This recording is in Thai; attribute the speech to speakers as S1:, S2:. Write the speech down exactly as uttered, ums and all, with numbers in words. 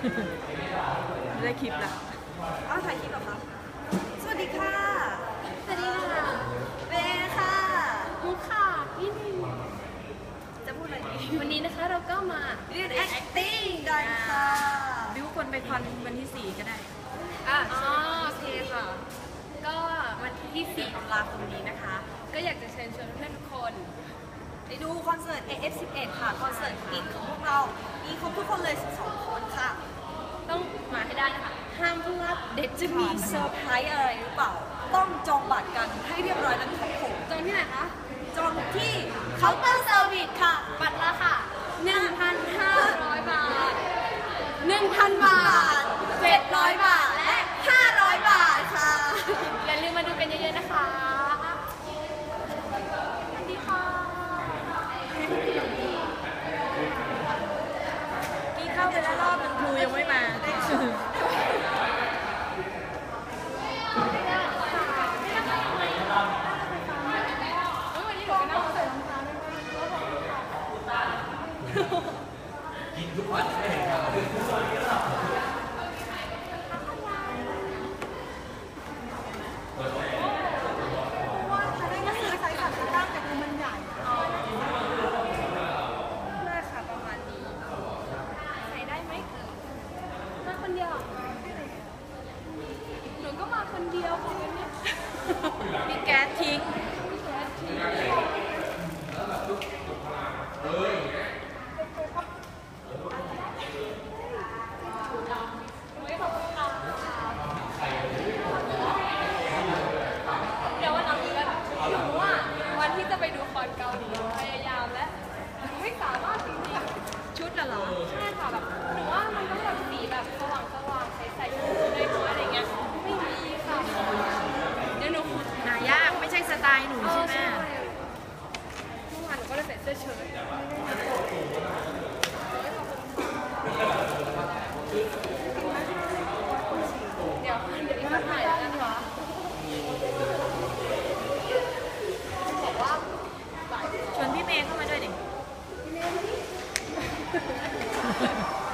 S1: ได้คลิปละ
S2: อ้าวถ่ายคลิปเหรอคะสวัสดีค่ะ
S3: สวัสดีค่ะ
S2: เบค่ะ
S3: มุกค่ะนี่
S2: จะพูดอะไรดี
S3: วันนี้นะคะเราก็มา
S2: เรียน acting กันค่ะ
S1: บิวคนไปคอนวันที่สี่ก็ได้
S3: อ่ะอ๋อโอเคค่ะก็วันที่สี่ตุลาคมนี้นะคะก็อยากจะเชิญชวนเพื่อนทุกคน
S2: ไปดูคอนเสิร์ต เอ เอฟ สิบเอ็ด ค่ะคอนเสิร์ตอินของพวกเรามีครบทุกคนเลยสิบสองคนค่ะ
S3: ต้องมาให้ได้นะคะห้ามพลาดเด็ด
S2: จะมีเซอร์ไพรส์อะไรหรือเปล่าต้องจองบัตรกันให้เรียบร้อยนะครับผม
S3: จองที่ไหนคะ
S2: จองที่เคาน์เตอร์เซอร์วิสค่ะ
S3: บัตรละค่ะ หนึ่งพันห้าร้อย บาท หนึ่งพัน บาท
S2: เจ็ดร้อย บาทและห้าร้อย บาทค่ะ
S3: อย่าลืมมาดูกันเยอะๆนะคะสวัสดีค่ะ
S1: กี่เข้าไปแล้วรอบนึงครูยังไม่มา
S4: กินทุกวันไม่เห็นครับ
S2: ว่าจะได้มาซื้อไซส์สามสิบเก้าแต่ดูมันใหญ่
S3: น่าค่ะประมาณนี้ใส่ได้ไหมมาคนเดียวหนูก็มาคนเดียวคนนี้
S1: มีแก๊สทิ้ง
S3: มีแก๊สทิ้งวันที่จะไปดูคอนเกาหลีพยายามและไม่สามารถจริงๆ
S1: ชุดละเหรอ
S3: ใช่ค่ะแบบหนูว่ามันต้องแบบสีแบบสว่างสว่างใสๆชุดน้อยๆอะไรเงี้ยไม่มีค่ะเดี๋ยวหนู
S1: หายากไม่ใช่สไตล์หนูใช่ไหม
S3: เมื่อวานหนูก็เลยใส่เสื้อเชิ้ตเดี๋ยวเดี๋ยวมาถ่ายแล้วกันค่ะ
S1: ชวนพี่เมย์เข้ามาด้วยดิ